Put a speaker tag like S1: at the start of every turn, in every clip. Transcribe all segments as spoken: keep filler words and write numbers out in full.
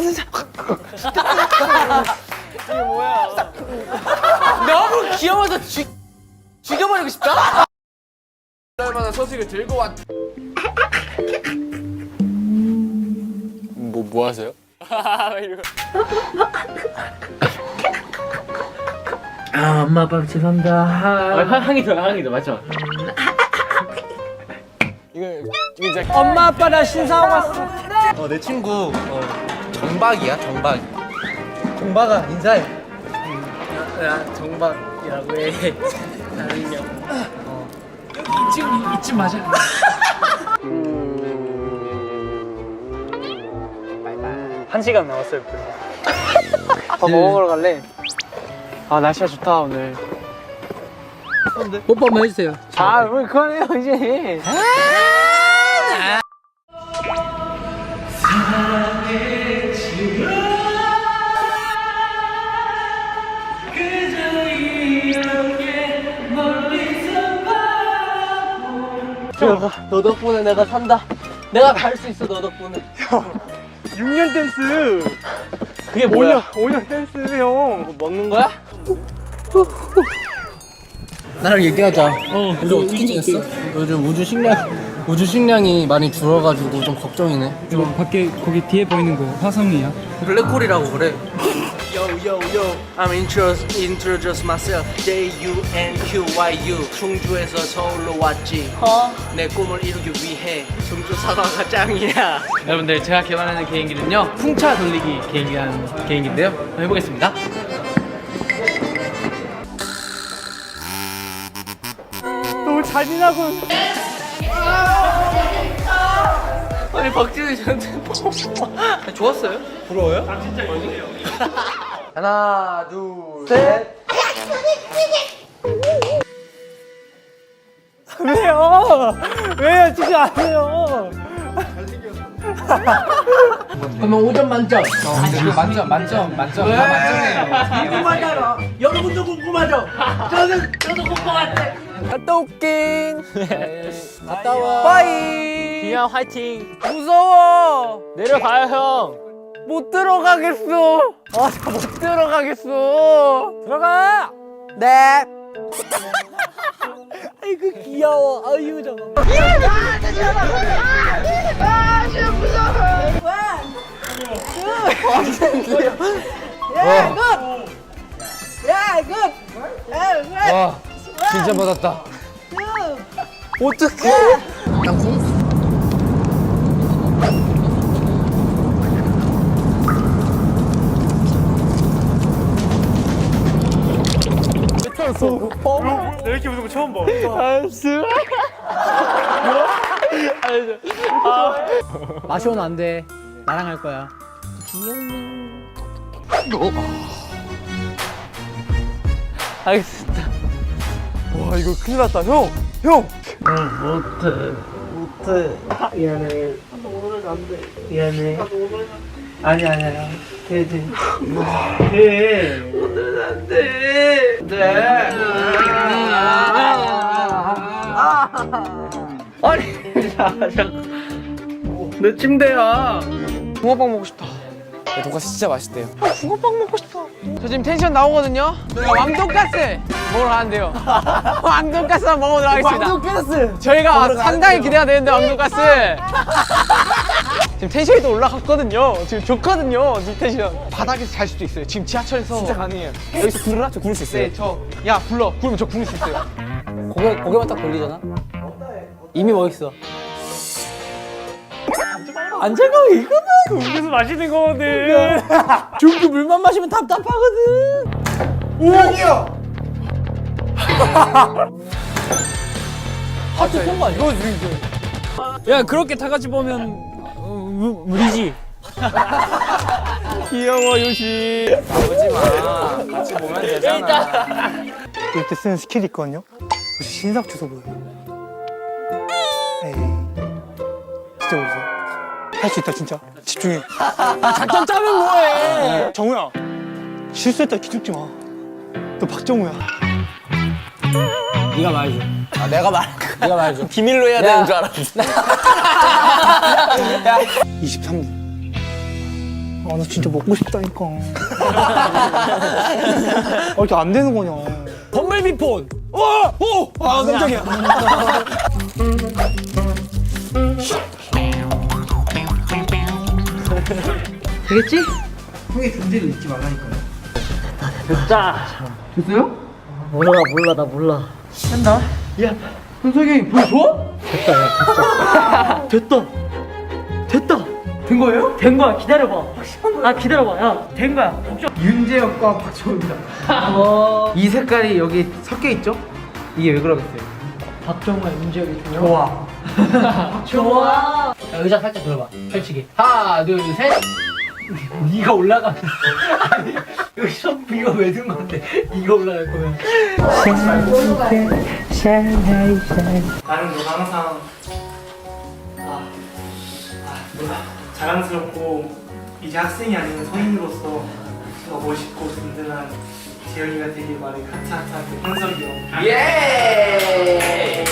S1: 이게 뭐야? 너무 귀여워서 죽 죽여버리고 싶다.
S2: 얼마나 소식을 들고 왔.
S1: 뭐 뭐 하세요? 이러고.
S3: 아 엄마 아빠 죄송합니다.
S1: 아, 향이 더 향이 더 맞죠? 이거 이거 이제
S3: 엄마 아빠 나 신사하고 왔어.
S2: 어, 내 친구 어, 정박이야 정박.
S3: 정박아 인사해. 야 정박이라고 해. 나는요. 어. 이쯤 이쯤 맞아. 한 시간 남았어요. 밥 먹으러 갈래? 아 날씨가 좋다 오늘. 뽀뽀 한번 해주세요. 아왜 그만해요 이제. 너 덕분에 내가 산다. 내가 갈 수 있어 너 덕분에.
S4: 육 년 댄스.
S3: 그게 뭐야?
S4: 오 년 댄스 형.
S3: 뭐 먹는 거야? 나랑 얘기하자. 어, 우리 어떻게 지냈어? 요즘 우주 식량 우주 식량이 많이 줄어가지고 좀 걱정이네.
S5: 이거 밖에 거기 뒤에 보이는 거 화성이야?
S3: 블랙홀이라고 그래. Yo yo yo, I'm introduce introduce myself. J U N Q Y U. 충주에서 서울로 왔지. 어? 내 꿈을 이루기 위해 충주 사과가 짱이야.
S5: 여러분들 제가 개발하는 개인기는요 풍차 돌리기 개인기라는 개인기인데요 한번 해보겠습니다.
S4: 너무 잔인하고.
S3: 아니 박진우 저한테 좋았어요? 부러워요? 하나 둘 셋.
S4: 왜요? 왜요? 진짜 안 해요.
S3: 그러면 오 점 만점.
S2: 만점 만점 만점 다 만점이에요.
S3: 궁금하잖아. 여러분도 궁금하죠? 저는 저도 궁금한데.
S1: 갔다 올게.
S3: 갔다 와.
S1: 빠이.
S3: 그냥 화이팅.
S1: 무서워.
S3: 내려가요 형.
S1: 못 들어가겠어. 아, 저 못 들어가겠어. 들어가. 네.
S3: 아이고 귀여워. 아유 잠깐만.
S2: 와 진짜 받았다.
S1: 어떡해?
S4: 나 이렇게 무서운 거 처음 봐.
S3: 마시오는 안 돼. 나랑 할 거야.
S1: 알겠습니다.
S4: 와 이거 큰일 났다 형. 형.
S3: 못해. 못해. 미안해. 오늘 안 돼. 미안해. 아니 아니야. 돼 돼. 돼. 오늘 안 돼. 돼. 아니 자자. 내 침대야.
S1: 붕어빵 먹고 싶다.
S2: 돈가스 진짜 맛있대요.
S1: 붕어빵 먹고 싶어. 저 지금 텐션 나오거든요. 저희가 왕돈가스 먹으러 가는데요. 왕돈가스 한번 먹어보도록 하겠습니다.
S3: 왕돈가스.
S1: 저희가 상당히 기대가 되는데 왕돈가스. 지금 텐션이 또 올라갔거든요. 지금 좋거든요. 지금 텐션. 바닥에서 잘 수도 있어요. 지금 지하철에서. 진짜 가능해요.
S2: 여기서 부르라? 저 부를 수 있어요.
S1: 네, 저. 야, 불러. 부르면 저 부를 수 있어요.
S3: 고개 고개만 딱 돌리잖아. 이미 멋있어. 안 차가워 이거는.
S4: 음료수 마시는 거거든.
S3: 중국 물만 마시면 답답하거든.
S4: 우와.
S3: 하트 쏜거 아니야?
S5: 야 그렇게 다 같이 보면 어, 무, 무리지.
S4: 귀여워 요시.
S2: 오지 마. 같이 보면 되잖아.
S4: 이때 쓰는 스킬이 있거든요. 혹시 신상 주소 보여요? 에이. 진짜 모르세요? 할 수 있다 진짜. 집중해.
S3: 작전 짜면 뭐해?
S4: 정우야. 실수했다 기죽지 마. 너 박정우야.
S3: 네가 말해줘.
S2: 아 내가 말.
S3: 네가 말해줘.
S1: 비밀로 해야 되는 줄 알았어.
S4: 이십삼 분. 아, 나 진짜 먹고 싶다니까. 아, 이렇게 안 되는 거냐.
S1: 범블비폰.
S4: 오! 오! 아, 깜짝이야.
S5: 되겠지?
S4: 형의 존재를 잊지 말라니까요.
S6: 몰라 몰라 나 몰라.
S5: 현석이 형이 보여줘?
S6: 됐다. 됐다.
S5: 된 거예요?
S6: 된 거야. 기다려봐. 아 기다려봐. 야, 된 거야. 걱정.
S5: 윤재혁과 박정우입니다. 이 색깔이 여기 섞여 있죠? 이게 왜 그러겠어요?
S6: 박정우와 윤재혁이
S5: 좋아.
S6: 좋아. 야, 의자 살짝 들어봐. 펼치기.
S5: 하나, 둘, 셋.
S6: 네가 올라가. 아니 여기서 이거 왜 든 건데? 이거 올라갈 거면.
S7: 나는 너 항상 아, 아, 뭐야 자랑스럽고 이제 학생이 아닌 성인으로서 더 멋있고 든든한 재현이가 되길 바래. 하트하트하트 현석이 형.
S5: 예!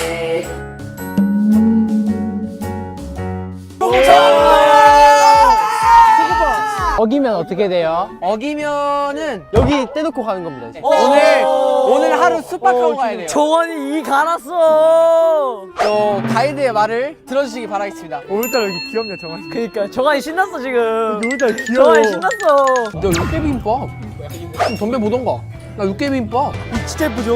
S5: 어기면 어떻게 돼요?
S1: 어기면은 여기 떼놓고 가는 겁니다. 이제. 오늘 오늘 하루 숙박하고 가야 돼요.
S6: 정원이 이 갈았어.
S1: 또 가이드의 말을 들어주시기 바라겠습니다.
S4: 오늘따라 여기 귀엽네, 정환이.
S6: 그러니까 정환이 신났어 지금.
S4: 오늘따라 귀여워.
S6: 정환이 신났어.
S1: 너 육개비빔밥 좀 덤벼 보던가. 나 육개비빔밥.
S4: 진짜 예쁘죠?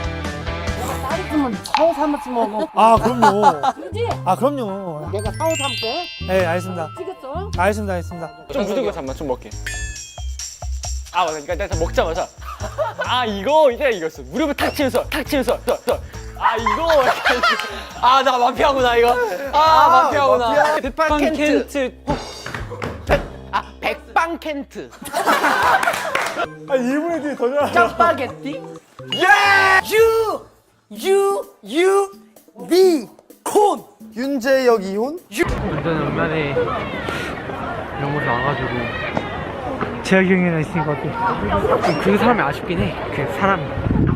S6: 사오 삼았지 뭐.
S4: 아, 그럼요. 아, 그럼요.
S6: 내가 사오 삼게.
S4: 네, 알겠습니다.
S6: 찍었어?
S4: 알겠습니다, 알겠습니다.
S8: 좀 묻은 거 잠만 좀 먹게. 아 맞아, 그러니까 내가 먹자마자 아 이거 이제 이거였어. 무릎을 탁 치면서 탁 치면서 저, 저. 아 이거
S1: 아 나 마피아구나 이거. 아, 마피아구나. 백빵 켄트. 아 백빵 켄트.
S4: 아, 일본에 뒤에 더 잘.
S1: 짜파게티.
S4: 유! 유! 유! 비! 콘! 윤재혁 이혼?
S5: 저는 얼마에 이런 곳에 와가지고
S4: 재혁이 형이랑 있으니까 어때?
S5: 그 사람이 아쉽긴 해. 그 사람이.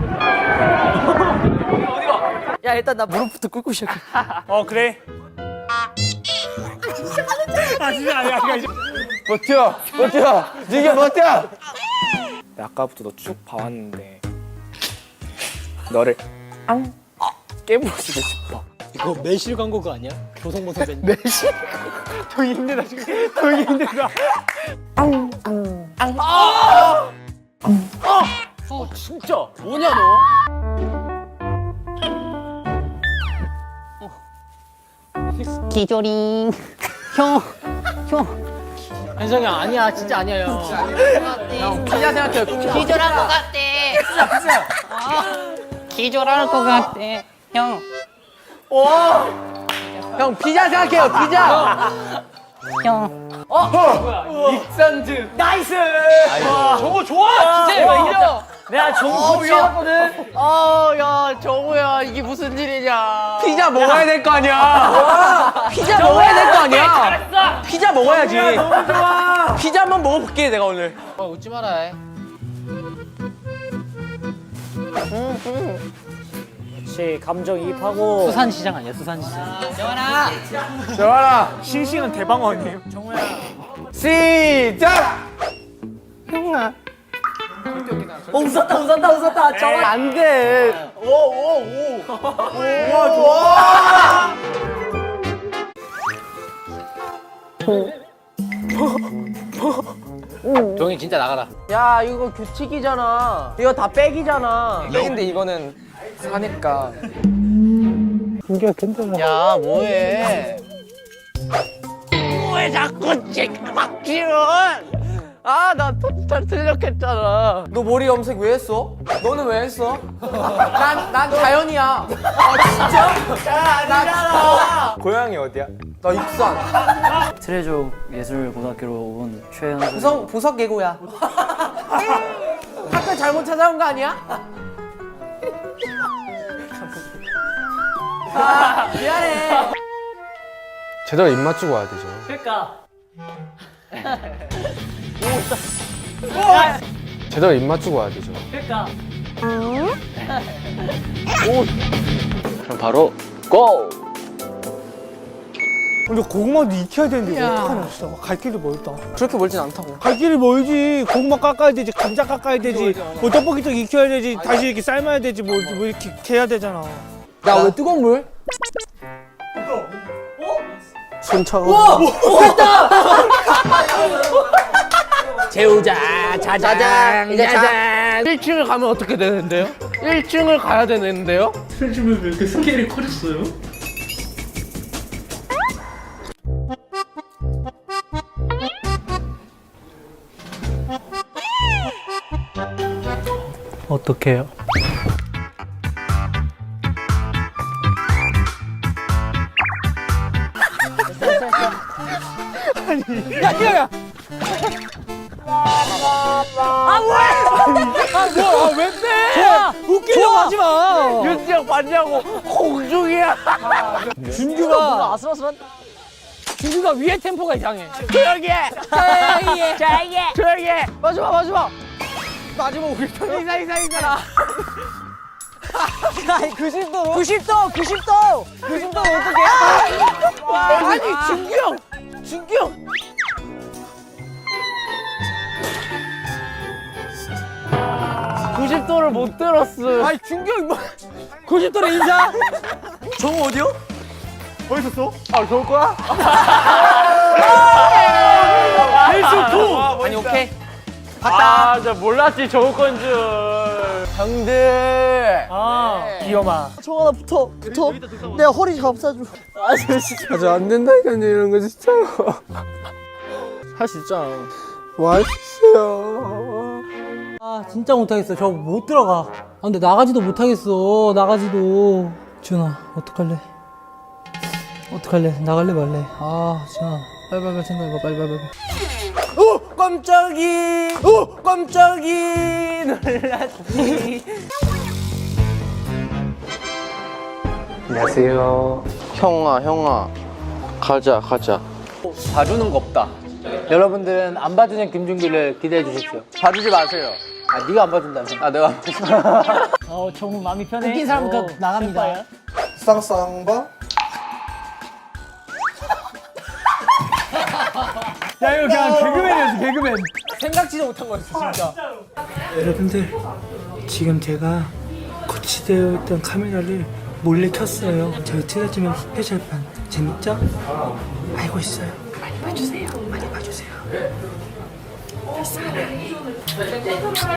S6: 야 일단 나 무릎부터 꿇고 시작해.
S4: 어, 그래. 아, 진짜 아니야, 아니야.
S2: 버텨 버텨 니가 버텨.
S8: 아까부터 너 쭉 봐왔는데 너를 앙 깨부수고 싶어.
S6: 이거 매실 광고 그거 아니야? 조성모 선배.
S4: 형이 힘들다, 지금. 형이 힘들다.
S1: 진짜 뭐냐 너?
S6: 기조링. 형. 형. 현석이 형 아니야 진짜 아니야 형.
S1: 형 피자 생각해요. 피자.
S9: 기절할 것 같대. 어? 기절할 것 같대. 형,
S1: 형 피자 생각해요. 피자.
S9: 형.
S5: 익산즈.
S6: 나이스.
S5: 저거 좋아. 진짜 이거 이겨.
S6: 내가 정우 코치였거든.
S1: 어야 정우야 이게 무슨 일이냐. 피자 먹어야 될 거 아니야. 피자 먹어야 될 거 아니야. 피자 먹어야지. 너무 좋아. 피자 한번 먹어볼게 내가 오늘.
S5: 어, 웃지 마라.
S6: 그렇지 감정이입하고. 수산시장 아니야 수산시장.
S1: 정원아
S4: 싱싱한 대방어님.
S1: 시작.
S6: 어 웃었다 웃었다 웃었다. 정환
S1: 안 돼.
S5: 종이 진짜 나가라.
S1: 야 이거 규칙이잖아. 이거 다 백이잖아.
S2: 근데 이거는 사니까
S4: 이게 괜찮아.
S1: 야 뭐해? 왜 자꾸 박지원? 아나 잘 틀렸겠잖아. 너 머리 염색 왜 했어? 너는 왜 했어? 난 난 자연이야. 아 진짜? 야나
S2: 고향이 어디야?
S1: 나 익산.
S6: 트레저 예술고등학교로 온 최현석.
S1: 보석 보석 예고야. 학교 잘못 찾아온 거 아니야? 아 미안해.
S2: 제대로 입 맞추고 와야 되죠.
S6: 그러니까.
S2: 제대로 입 맞추고 와야 되죠.
S6: 그러니까.
S8: 그럼 바로 고!
S4: 근데 고구마도 익혀야 되는데 이거 어떡하냐 진짜. 갈 길이 멀다.
S1: 그렇게 멀진 않다고.
S4: 갈 길이 멀지. 고구마 깎아야 되지, 감자 깎아야 되지, 뭐 떡볶이떡 익혀야 되지, 다시 이렇게 삶아야 되지, 뭐, 뭐 이렇게 해야 되잖아.
S1: 야 왜 뜨거운 물? 손 차가워. 와!
S5: 재우자 자장
S1: 이제 자-
S5: 자장.
S1: 일 층을 가면 어떻게 되는데요? 일 층을 가야 되는데요?
S7: 요즘에 왜 이렇게 스케일이 커졌어요? 어떡해요?
S1: 야야야! 아왜 빼? 웃기려고 하지 마. 윤지영 봤냐고. 공중이야. 준규가 아슬아슬한. 준규가 위에 템포가 이상해. 조용히 해. 조용히 해. 조용히 해. 조용히 해. 마지막 마지막. 마지막 우리 편 이상 이상이잖아. 구십 도로? 구십 도! 구십 도! 구십 도 어떡해? 아니 준규 형! 준규 형! 구십 도를 못 들었어. 아니 준규 형 뭐? 구십 도로 인사. 정우 어디요? 어디 있었어? 아 좋을 거야? 아니 오케이. 갔다. 아, 진짜 몰랐지 좋을 건 줄. 형들.
S7: 아, 귀여마.
S1: 정아 붙어 붙어. 내가 허리 감싸줘. 아 진짜. 아저 안 된다니까 이런 거 진짜. 할 수 있잖아. 뭐 할 수 있어요.
S6: 아 진짜 못하겠어. 저 못 들어가. 아 근데 나가지도 못하겠어. 나가지도. 준아 어떡할래? 어떡할래? 나갈래 말래? 아 준아 빨리빨리 생각해봐. 빨리빨리.
S1: 오 깜짝이. 오 깜짝이 놀랐지.
S2: 안녕하세요. 형아 형아 가자 가자.
S1: 봐주는 거 없다.
S5: 여러분들은 안 봐주는 김준규를 기대해 주십시오.
S1: 봐주지 마세요.
S5: 아 네가 안 봐준다며.
S1: 아 내가.
S7: 어, 정우 마음이 편해.
S6: 웃긴 사람부터
S7: 어,
S6: 나갑니다.
S7: 쌤빠야.
S4: 쌍쌍바.
S7: 야, 이거 그냥 개그맨이었어, 개그맨.
S1: 생각지도 못한 거였어 진짜.
S4: 여러분들, 지금 제가 거치되어 있던 카메라를 몰래 켰어요. 저희 트레즈맨 스페셜판 재밌죠? 알고 있어요. 많이 봐주세요. 많이 봐주세요. 사랑해.